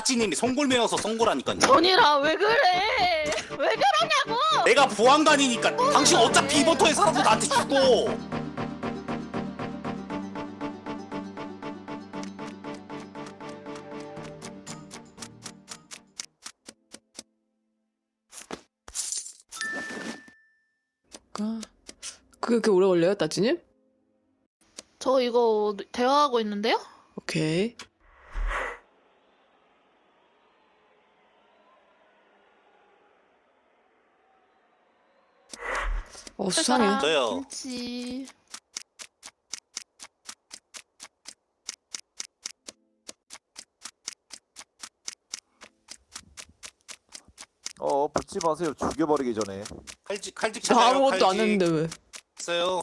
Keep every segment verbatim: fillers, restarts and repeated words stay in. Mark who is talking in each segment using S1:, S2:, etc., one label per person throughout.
S1: 따찌님이 송골매여서 썬 거라니까요.
S2: 전이라 왜 그래? 왜 그러냐고?
S1: 내가 보안관이니까 당신 어차피 이번 터에 살아도 나한테 죽어.
S3: 아, 그게 그렇게 오래 걸려요, 따지님?
S2: 저 이거 대화하고 있는데요?
S3: 오케이. 어, 수상해.
S1: 저요.
S2: 김치.
S4: 어 붙지 마세요. 죽여버리기 전에.
S1: 칼직 칼직
S3: 나
S1: 찾아요.
S3: 아무것도 안
S1: 칼직.
S3: 했는데 왜?
S1: 있어요.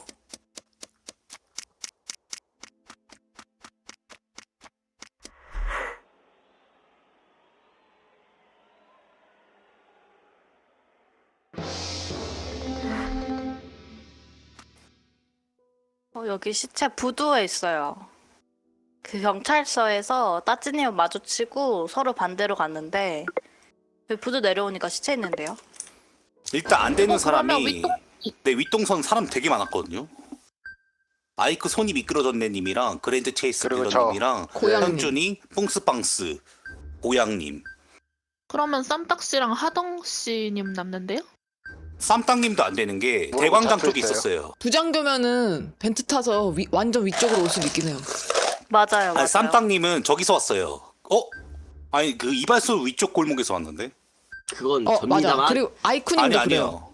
S5: 어, 여기 시체 부두에 있어요. 그 경찰서에서 따찌님 마주치고 서로 반대로 갔는데 여기 부두 내려오니까 시체 있는데요.
S1: 일단 안 되는
S2: 어, 그러면
S1: 사람이
S2: 윗동-
S1: 내 윗동선 사람 되게 많았거든요. 마이크 손이 미끄러졌네님이랑 그랜드 체이스
S6: 그리고 저
S1: 빌런님이랑
S3: 고양님.
S1: 현준이 뿡스빵스 고양님
S2: 그러면 쌈딱씨랑 하덩씨님 남는데요?
S1: 쌈땅님도 안 되는 게
S6: 뭐라고
S1: 대광장
S6: 잡혀
S1: 쪽에
S6: 있어요?
S1: 있었어요.
S3: 부장교면은 벤트 타서 위, 완전 위쪽으로 올 수도 있긴 해요.
S5: 맞아요, 맞아요.
S1: 아니 쌈땅님은 저기서 왔어요. 어? 아니 그 이발소 위쪽 골목에서 왔는데?
S7: 그건
S3: 어, 맞아.
S7: 접니다만
S3: 그리고
S1: 아니
S3: 아이쿠님도 그래요.
S1: 아니요.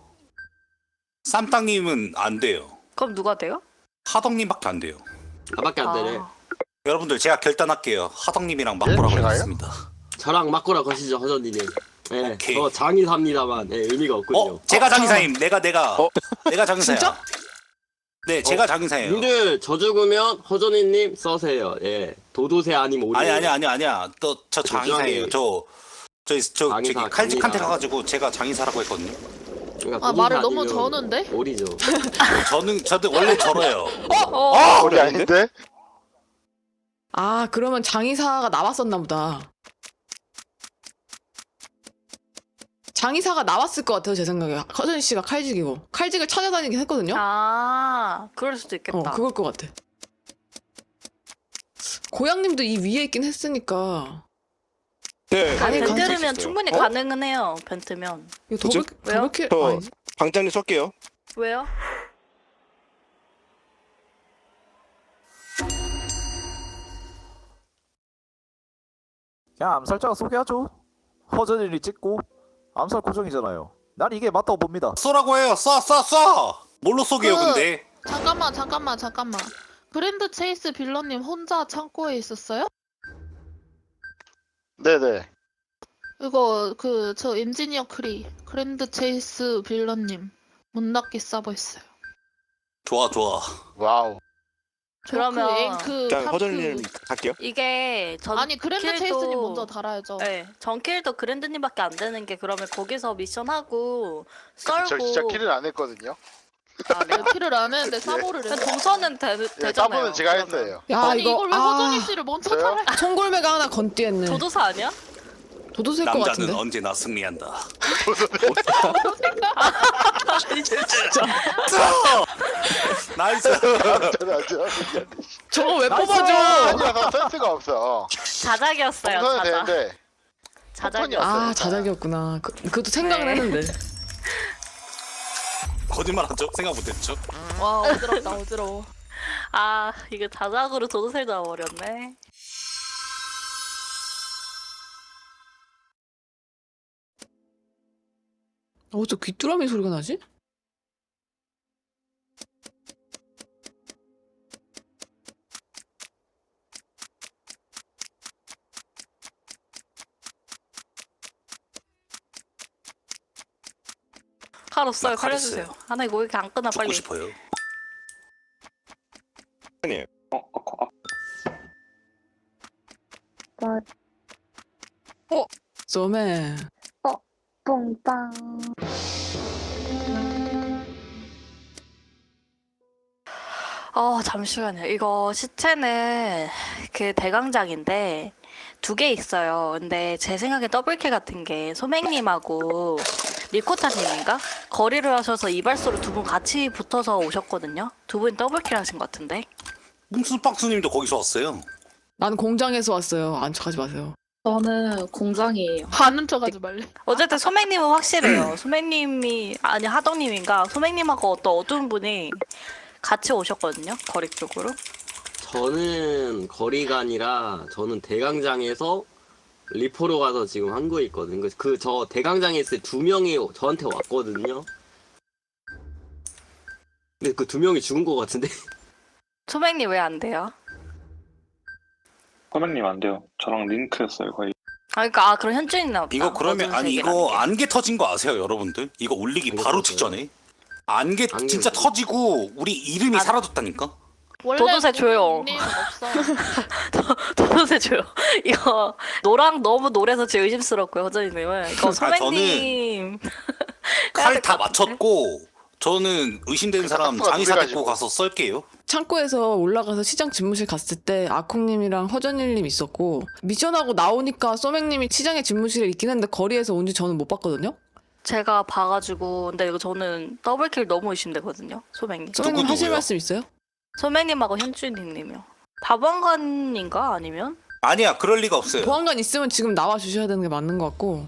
S1: 쌈땅님은 안 돼요.
S5: 그럼 누가 돼요?
S1: 하덕님밖에 안 돼요.
S7: 나밖에 안 되네.
S5: 아,
S1: 여러분들 제가 결단할게요. 하덕님이랑
S6: 예?
S1: 맞보라고
S6: 제가요?
S1: 하겠습니다.
S7: 저랑 맞고라 거시죠 허전이님. 네,
S1: 오케이.
S7: 저 장의사입니다만 네, 의미가 없군요.
S1: 어? 제가
S3: 어,
S1: 장의사임. 내가 내가
S6: 어?
S1: 내가 장의사야.
S3: 진짜?
S1: 네, 제가 장의사예요.
S7: 님들 저 죽으면 허전이님 써세요. 예, 도도새 아님 오리.
S1: 아니 아니 아니 아니야. 또 저 장의사예요. 저 저기 저 저기
S7: 장의사,
S1: 칼직한테
S7: 장의사.
S1: 가가지고 제가 장의사라고 했거든요.
S7: 그러니까
S2: 아,
S7: 도도새
S2: 말을 너무
S7: 아니면
S2: 저는데?
S7: 오리죠.
S1: 저는 저도 원래 저래요.
S5: 어,
S6: 우리 아닌데?
S3: 아, 그러면 장의사가 나왔었나 보다. 장의사가 나왔을 것 같아요, 제 생각에. 허준 씨가 칼직이고. 칼직을 찾아다니긴 했거든요?
S5: 아, 그럴 수도 있겠다.
S3: 어, 그걸 것 같아. 고양님도 이 위에 있긴 했으니까.
S8: 네.
S5: 아니,
S3: 가능할 수
S5: 벤트면
S8: 있어요.
S5: 충분히
S8: 어?
S5: 가능은 해요. 벤트면.
S3: 이거
S8: 그죠?
S3: 더블,
S5: 왜요?
S3: 더블킬,
S8: 저
S3: 아니지?
S8: 방장님 쏠게요.
S5: 왜요?
S4: 그냥 암살자가 소개하죠. 허전일이 찍고 암살 고정이잖아요. 난 이게 맞다고 봅니다.
S1: 쏘라고 해요. 쏴 쏴 쏴. 뭘로 쏘게요,
S2: 그-
S1: 근데?
S2: 잠깐만 잠깐만 잠깐만. 그랜드 체이스 빌런님 혼자 창고에 있었어요?
S6: 네네.
S2: 이거 그 저 엔지니어 크리 그랜드 체이스 빌런님 문 닫기 서버 있어요.
S1: 좋아 좋아.
S6: 와우.
S2: 저
S5: 그러면
S2: 그 앵- 그
S8: 일단
S2: 탑-
S8: 허전님
S2: 그-
S8: 갈게요.
S5: 이게 전
S2: 아니 그랜드
S5: 킬도-
S2: 체이스님 먼저 달아야죠.
S5: 네, 전킬도 그랜드님밖에 안 되는 게 그러면 거기서 미션하고
S6: 저
S5: 썰고
S6: 진짜 킬을 안 했거든요.
S5: 아,
S2: 내가 키를 안 했는데 사보를
S5: 근데
S2: 했어.
S5: 동선은 되,
S6: 예,
S5: 되잖아요.
S6: 따보는 제가
S5: 그러면.
S6: 했어요.
S3: 야,
S2: 아니
S3: 이거,
S2: 이걸 왜
S3: 아,
S2: 허전이 씨를 먼저
S6: 저요?
S2: 달아?
S3: 총골매가 하나 건띠했네.
S5: 조도사 아니야?
S3: 도도새일 것
S1: 남자는
S3: 같은데.
S1: 언제나 승리한다.
S3: 진짜.
S1: 나이스.
S6: 저는 아주 아니야.
S3: 저거 왜 뽑아줘?
S6: 아니야, 나 센스가 없어.
S5: 자작이었어요.
S6: 동선은
S5: 자작.
S6: 되는데
S5: 자작이었어요.
S3: 아, 자작이었구나. 그, 그것도 생각은
S5: 네.
S3: 했는데.
S1: 거짓말하죠? 생각 못했죠?
S2: 와 어지럽다 어지러워.
S5: 아, 이거 자작으로 조도사를 잡아버렸네.
S3: 어, 저 귀뚜라미 소리가 나지?
S5: 칼 없어요.
S1: 나 칼
S5: 칼려주세요.
S1: 있어요.
S5: 하나 이거 왜 이렇게 안 끊어
S1: 죽고
S5: 빨리.
S1: 싶어요.
S8: 아니에요.
S3: 쏘매.
S9: 뽕빵.
S5: 어, 잠시만요. 이거 시체는 그 대강장인데 두 개 있어요. 근데 제 생각에 더블킬 같은 게 소맹님하고 리코타님인가? 거리를 하셔서 이발소로 두 분 같이 붙어서 오셨거든요. 두 분 더블킬 하신 것 같은데.
S1: 뭉순박스님도 거기서 왔어요.
S3: 난 공장에서 왔어요. 안 척하지 마세요.
S10: 저는 공장이에요.
S2: 아는 척하지 말래.
S5: 어쨌든 소맹님은 확실해요. 소맹님이 아니 하덕님인가? 소맹님하고 어떤 어두운 분이 같이 오셨거든요. 거리 쪽으로.
S7: 저는 거리가 아니라 저는 대강장에서 리포로 가서 지금 한국에 있거든요. 그 저 대강장에 있을 때 두 명이 저한테 왔거든요. 근데 그 두 명이 죽은 것 같은데.
S5: 소맹님 왜 안 돼요?
S11: 선배님 안 돼요. 저랑 링크였어요 거의.
S5: 아 그러니까 아 그럼 현주인나 보다.
S1: 이거 그러면
S5: 어두운
S1: 아니
S5: 색이라는
S1: 이거
S5: 게.
S1: 안개 터진 거 아세요, 여러분들? 이거 올리기
S7: 안개
S1: 바로
S7: 터져요?
S1: 직전에 안개
S7: 안개
S1: 진짜
S7: 터져요?
S1: 터지고 우리 이름이
S5: 아.
S1: 사라졌다니까.
S2: 원래
S5: 도도새 조용.
S2: 닉네임은 없어.
S5: 도도새 줘요. 이거 노랑 너무 노래서 제 의심스럽고요, 허전이님은. 이거
S1: 아,
S5: 소맹님.
S1: 칼 다 맞췄고 저는 의심되는 사람
S6: 가스가
S1: 장의사
S6: 놀래가지고.
S1: 데리고 가서 썰게요.
S3: 창고에서 올라가서 시장 집무실 갔을 때 아콩님이랑 허전일님 있었고 미션하고 나오니까 소맥님이 시장의 집무실에 있긴 했는데 거리에서 온지 저는 못 봤거든요.
S5: 제가 봐가지고 근데 이거 저는 더블킬 너무 의심되거든요, 소맹님.
S3: 소맥님
S1: 누구,
S3: 하실
S1: 누구요?
S3: 말씀 있어요?
S5: 소맹님하고 현주인님이요. 다방관인가 아니면?
S1: 아니야, 그럴 리가 없어요.
S3: 보안관 있으면 지금 나와 주셔야 되는 게 맞는 것 같고.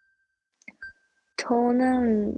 S9: 저는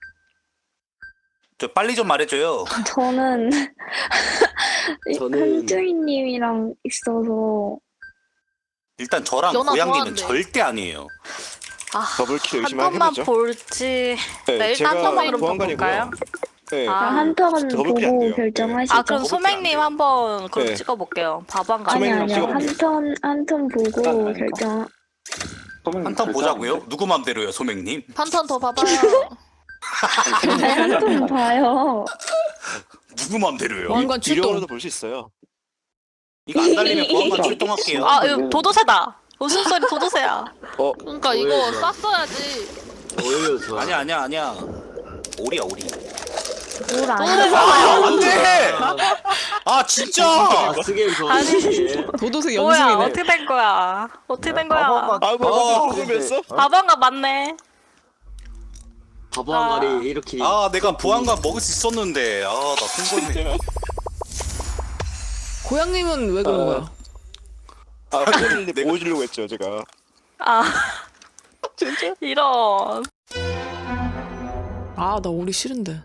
S1: 저 빨리 좀 말해줘요.
S9: 저는
S7: 저는-
S9: 한주인님이랑 있어서
S1: 일단 저랑
S2: 연하
S1: 고양이는
S2: 좋아한대.
S1: 절대 아니에요.
S5: 아,
S8: 더블킬
S5: 한
S8: 의심만
S5: 번만
S8: 해보죠.
S5: 볼지. 네, 일단
S8: 제가
S5: 한 번만 그럼
S8: 보안관이고요.
S5: 볼까요?
S8: 네.
S5: 아.
S9: 한 턴
S8: 더블킬 안
S9: 보고
S8: 돼요.
S9: 결정하시죠.
S5: 아 그럼
S8: 더블킬 안
S5: 소맹님
S8: 돼요.
S5: 한번 그럼
S8: 네.
S5: 찍어볼게요. 바방관.
S9: 아니
S8: 소맥님
S9: 아니요
S8: 찍어볼게요.
S9: 한턴 한 턴 보고
S11: 아니까.
S9: 결정.
S11: 선배님
S1: 한탄
S11: 절대
S1: 보자고요?
S11: 안 돼.
S1: 누구 맘대로요, 소맹님?
S2: 한 턴 더 봐봐요.
S9: 아니 한 턴 봐요.
S1: 누구 맘대로요?
S3: 보안관 출동.
S8: 유령으로도 볼 수 있어요.
S1: 이거 안 달리면 보안관 출동할게요.
S5: 아 이거 도도새다. 웃음소리 도도새야.
S8: 어,
S2: 그러니까 이거
S7: 보여줘.
S2: 쌌어야지.
S7: 오히려 좋아.
S1: 아니야, 아니야, 아니야. 오리야, 오리.
S9: 뭘 안.
S1: 아, 안 돼! 아, 진짜!
S7: 아, 쓰게임
S5: 아니.
S7: 좋아하시네.
S3: 도도새
S5: 뭐야
S3: 연승이네.
S5: 어떻게 된 거야? 어떻게 된 거야?
S11: 바방관
S8: 아, 뭐,
S1: 어,
S8: 뭐, 궁금했어?
S5: 바방관 맞네.
S7: 바보한가리 이렇게.
S1: 아, 내가 보안관 먹을 수 있었는데. 아, 나 승부했네.
S3: 고양님은 왜 그런
S8: 어.
S3: 거야?
S8: 아, 허전이님 보여주려고 했죠, 제가.
S5: 아
S8: 진짜?
S5: 이런.
S3: 아, 나 오리 싫은데.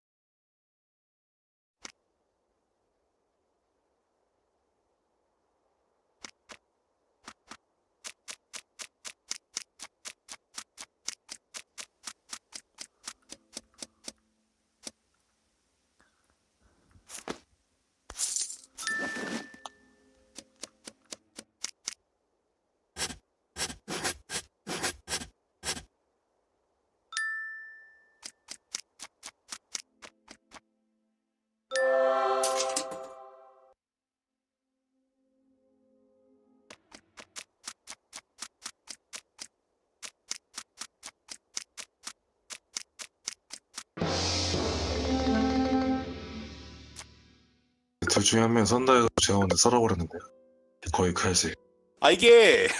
S11: 둘 중에 한 명 선다 해서 제가 먼저 썰어버렸는데요. 거의 칼질.
S1: 아, 이게.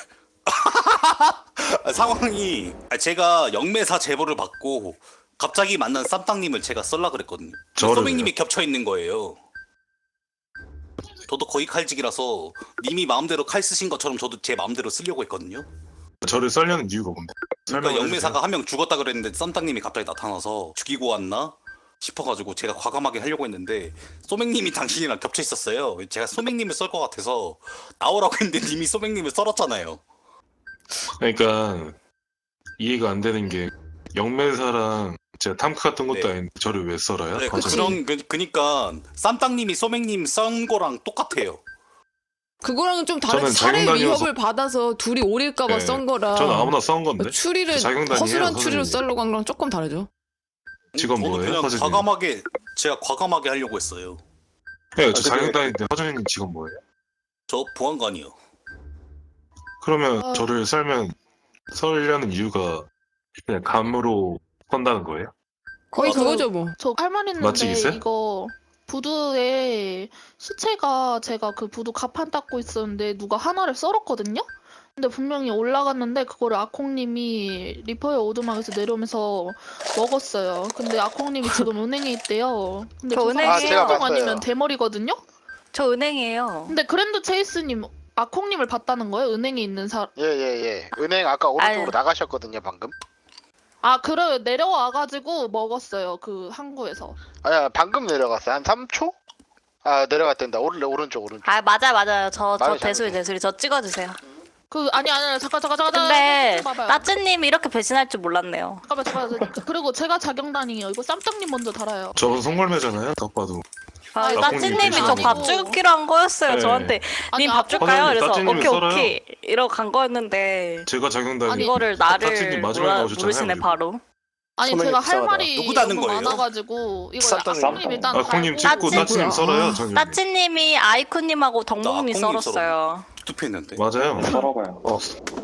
S1: 상황이. 아, 제가 영매사 제보를 받고 갑자기 만난 쌈땅님을 제가 썰라 그랬거든요.
S11: 저를요?
S1: 소맹님이 겹쳐 있는 거예요. 저도 거의 칼직이라서 님이 마음대로 칼 쓰신 것처럼 저도 제 마음대로 쓰려고 했거든요.
S11: 저를 썰려는 이유가 뭔데?
S1: 그러니까
S11: 설명을
S1: 영매사가 한 명 죽었다 그랬는데 쌈땅님이 갑자기 나타나서 죽이고 왔나 싶어가지고 제가 과감하게 하려고 했는데 소맹님이 당신이랑 겹쳐 있었어요. 제가 소맹님을 썰 것 같아서 나오라고 했는데 님이 소맹님을 썰었잖아요.
S11: 그러니까 이해가 안 되는 게 영매사랑 제가 탐크 같은 것도
S1: 네.
S11: 아닌데 저를 왜 썰어요?
S1: 네, 그,
S11: 허전이?
S1: 그런 그, 그니까 쌈땅님이 소맹님 썬 거랑 똑같아요.
S3: 그거랑은 좀 다른
S11: 저는
S3: 살해
S11: 자경단이어서-
S3: 위협을 받아서 둘이 오릴까봐
S11: 네.
S3: 썬 거라.
S11: 저는 아무나 썬 건데.
S3: 추리를
S11: 자경단이에요,
S3: 허술한 추리로
S11: 선생님.
S3: 썰려고 한 거랑 조금 다르죠.
S11: 직업
S1: 저도
S11: 뭐예요,
S1: 그냥
S11: 허전이?
S1: 과감하게 제가 과감하게 하려고 했어요.
S11: 네, 저
S8: 아, 근데-
S11: 자경단인데 허전이님 직업 뭐예요?
S1: 저 보안관이요.
S11: 그러면
S2: 어.
S11: 저를 썰면 썰려는 이유가 그냥 감으로 선다는 거예요?
S3: 거의
S1: 어,
S3: 그거죠 뭐.
S2: 저 할 말 있는데
S11: 맛집 있어요?
S2: 이거 부두에 시체가 제가 그 부두 가판 닦고 있었는데 누가 하나를 썰었거든요? 근데 분명히 올라갔는데 그거를 아콩님이 리퍼의 오두막에서 내려오면서 먹었어요. 근데 아콩님이 지금 은행에 있대요. 근데
S5: 저
S2: 저
S5: 은행에
S2: 사람
S5: 있어요.
S2: 신종
S6: 제가 봤어요.
S2: 아니면 대머리거든요?
S5: 저 은행이에요.
S2: 근데 그랜드 체이스님 아콩님을 봤다는 거예요? 은행에 있는 사람.
S6: 예예예. 은행 아까 오른쪽으로
S5: 아유.
S6: 나가셨거든요 방금.
S2: 아, 그래 내려와가지고 먹었어요. 그 항구에서.
S6: 아야 방금 내려갔어요. 한 삼 초? 아 내려갔댄다. 오른 오른쪽 오른쪽.
S5: 아 맞아 맞아요. 저 저
S6: 말을
S5: 대수리
S6: 잘해.
S5: 대수리 저 찍어주세요.
S2: 그 아니 아니 잠깐 잠깐 잠깐
S5: 근데
S2: 잠깐, 봐봐요.
S5: 따츠님이 이렇게 배신할 줄 몰랐네요.
S2: 잠깐만 잠깐만 그- 그리고 제가 자경단이에요. 이거 쌈장님 먼저 달아요.
S11: 저건 송골매잖아요. 딱 봐도.
S5: 아,
S2: 아니,
S5: 따츠님이 저
S2: 아니고.
S5: 밥 주기로 한 거였어요.
S11: 네.
S5: 저한테
S2: 아니,
S5: 님 밥
S2: 아콩-
S5: 줄까요?
S11: 허전히
S5: 그래서
S11: 따츠님이
S5: 오케이
S11: 썰어요.
S5: 오케이 이러고 간 거였는데
S11: 제가 작용단이
S2: 아니,
S5: 이거를
S11: 따츠님
S5: 나를
S11: 마지막에
S5: 몰라,
S11: 나오셨잖아요,
S5: 모르시네
S11: 그리고.
S5: 바로.
S2: 아니
S8: 소명이
S2: 제가 할
S8: 불쌍하다.
S2: 말이
S1: 누구 다는
S2: 너무
S1: 거예요?
S2: 많아가지고 이거
S8: 쌈장님.
S2: 아콩님 일단
S11: 아콩님
S2: 달고
S11: 찍고
S5: 따츠-
S11: 따츠님 썰어요. 저기.
S5: 따츠님이 아이쿠님하고 덕몽님
S1: 아콩님
S5: 썰었어요.
S1: 투표했는데.
S11: 맞아요.
S8: 썰어봐요. 어.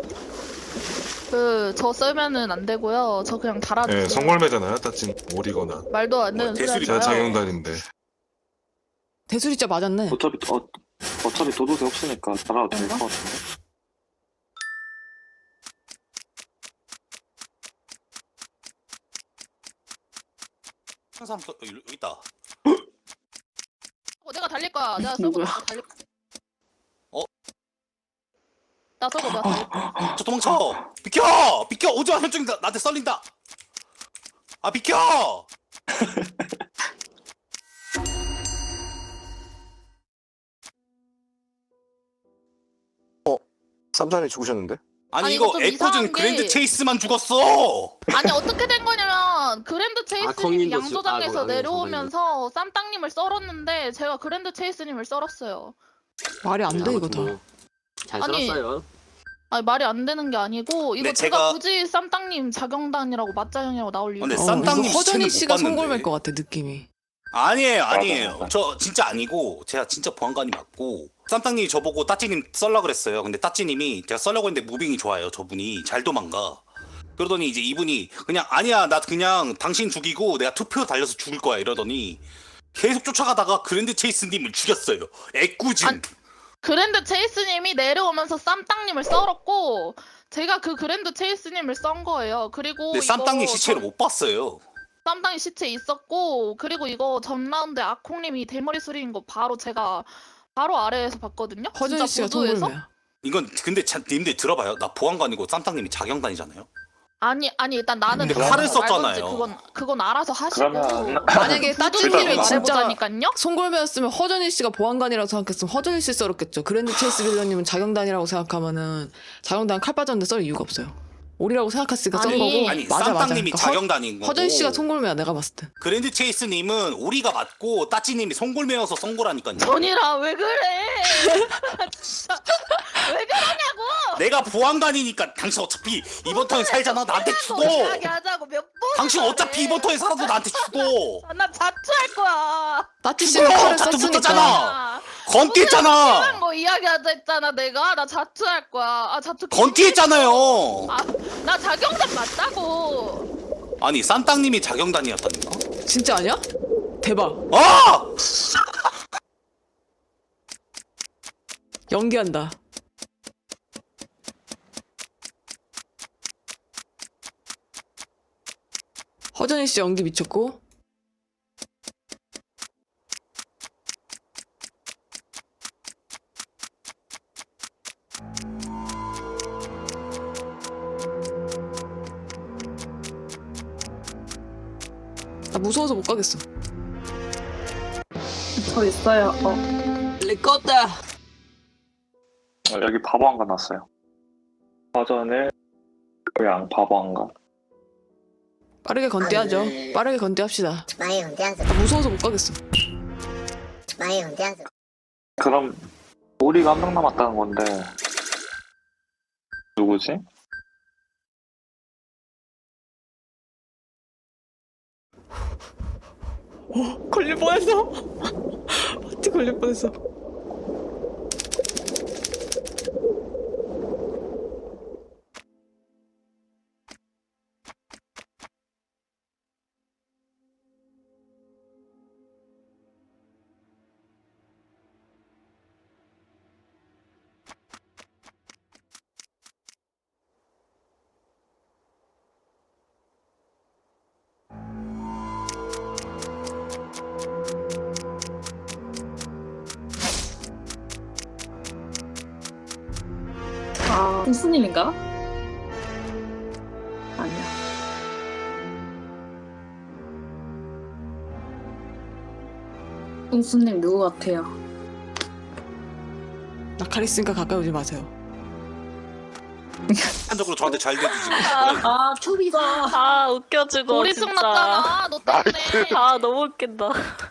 S2: 그저 썰면은 안 되고요. 저 그냥 달아주세요.
S11: 네, 송골매잖아요. 따친 오리거나.
S2: 말도 안 되는
S1: 뭐,
S2: 소리 하지
S1: 대수리가
S11: 제가
S2: 마요.
S11: 작용단인데.
S3: 대수리자 맞았네.
S8: 어차피 어, 어차피 도도새 없으니까 달아도 될 것 같은데.
S1: 항상 또 여기 있다.
S2: 어, 내가 달릴 거야. 내가 썰고
S10: 누구야?
S2: 내가 달릴 거야.
S1: 어?
S2: 나 썰고 내가 달릴 거야.
S1: 저 도망쳐. 비켜. 비켜. 오지마 현중이 나- 나한테 썰린다. 아 비켜.
S8: 쌈장님 죽으셨는데?
S1: 아니,
S2: 아니,
S1: 이거
S2: 이거 좀
S1: 에코즌
S2: 이상한 게-
S1: 그랜드 체이스만 죽었어.
S2: 아니 어떻게 된 거냐면 그랜드 체이스님이
S7: 아콩님도 주-
S2: 양조장에서
S7: 아, 뭐,
S2: 내려오면서 쌈땅님을 썰었는데 제가 그랜드 체이스님을 썰었어요.
S3: 말이 안 돼 이거 다.
S7: 뭐, 잘
S2: 아니,
S7: 썰었어요.
S2: 아니 말이 안 되는 게 아니고 이거
S1: 근데
S2: 제가,
S1: 제가-
S2: 굳이 쌈땅님 자경단이라고 맞자형이라고 나올 이유가
S1: 근데
S2: 없어요.
S1: 쌈-
S3: 어,
S1: 쌈땅님
S3: 이거 허전이
S1: 시체는
S3: 씨가
S1: 못 봤는데.
S3: 송골매일 것 같아 느낌이.
S1: 아니에요,
S8: 맞아,
S1: 아니에요.
S8: 맞아.
S1: 저 진짜 아니고 제가 진짜 보안관이 맞고 쌈땅님이 저보고 따찌님 썰라 그랬어요. 근데 따찌님이 제가 썰려고 했는데 무빙이 좋아요. 저분이 잘 도망가. 그러더니 이제 이분이 그냥 아니야 나 그냥 당신 죽이고 내가 투표 달려서 죽을 거야 이러더니 계속 쫓아가다가 그랜드 체이스님을 죽였어요. 애꿎은.
S2: 아니, 그랜드 체이스님이 내려오면서 쌈땅님을 썰었고 제가 그 그랜드 체이스님을 썬 거예요. 그리고
S1: 근데
S2: 이거
S1: 쌈땅님 시체를
S2: 전-
S1: 못 봤어요.
S2: 쌈땅이 시체 있었고 그리고 이거 전 라운드 아콩님이 대머리 수리인 거 바로 제가 바로 아래에서 봤거든요.
S3: 허전이
S2: 진짜
S3: 씨가
S2: 보도에서.
S3: 송골매야.
S1: 이건 근데 참 님들 들어봐요. 나 보안관이고 쌈땅님이 자경단이잖아요.
S2: 아니 아니 일단 나는
S1: 근데
S2: 그건
S1: 칼을
S2: 말건지
S1: 썼잖아요.
S2: 그건 그건 알아서 하시고
S8: 그러면-
S3: 만약에 따뜻님이 진짜
S2: 말해보자니까요.
S3: 송골매였으면 허전이 씨가 보안관이라고 생각했으면 허전이 씨 썰었겠죠. 그랜드 체이스 빌런님은 자경단이라고 생각하면은 자경단 칼 빠졌는데 썰 이유가 없어요. 오리라고 생각했으니까 썬
S2: 아니,
S3: 거고.
S1: 아니
S3: 맞아 맞아.
S1: 쌈땅님이
S3: 그러니까 허-
S1: 자경단인 거고.
S3: 허전이 씨가 송골매야 내가 봤을 때.
S1: 그랜드 체이스님은 오리가 맞고 따찌님이 송골매여서 썬 거라니까요.
S2: 전이라 왜 그래? 진짜 왜 그러냐고?
S1: 내가 보안관이니까 당신 어차피 이번 턴에 살잖아. 나한테 죽어.
S2: 이야기하자고 몇 번?
S1: 당신 어차피 이번 턴에 살아도 나한테 죽어.
S2: 나 자투할 거야.
S3: 따뜻
S1: 죽어!
S3: 씨가 칼을
S1: 자투
S3: 썼으니까.
S1: 붙었잖아.
S2: 아,
S1: 건띠했잖아.
S2: 거 이야기하자 했잖아 내가. 나 자투할 거야. 아 자투.
S1: 건띠했잖아요.
S2: 아, 나 자경단 맞다고.
S1: 아니 쌈땅님이 자경단이었다니까.
S3: 진짜 아니야? 대박.
S1: 아!
S3: 연기한다. 허전이 씨 연기 미쳤고. 나 무서워서 못 가겠어.
S10: 저 있어요. 어.
S7: 리코다.
S8: 어, 여기 바보 한간 났어요. 화전을 고양 바보 한간.
S3: 빠르게 건대하죠. 빠르게 건대합시다.
S12: 많이 혼자서
S3: 나 무서워서 못 가겠어.
S12: 많이 혼자서
S8: 그럼 우리가 한 명 남았다는 건데 누구지?
S3: 어, 걸릴 뻔했어. 어찌 걸릴 뻔했어.
S10: 아, 홍수님인가? 아니야. 홍수님 누구 같아요?
S3: 나칼 있으니까 가까이 오지 마세요.
S1: 한적으로 저한테 잘 대주지.
S10: 아, 초비다.
S5: 아 웃겨주고
S2: 고리승
S5: 진짜.
S2: 났잖아. 너 때문에.
S6: 나이스.
S5: 아 너무 웃긴다.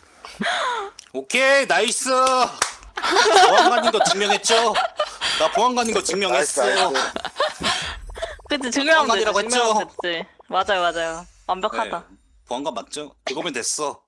S1: 오케이 나이스. 보안관인 거 증명했죠? 나 보안관인 거 증명했어.
S6: 나이스, 나이스.
S5: 그치 증명하면 되지.
S1: 보안관이라고 했죠?
S5: 증명하면 됐지. 맞아요 맞아요. 완벽하다.
S1: 네. 보안관 맞죠? 그거면 됐어.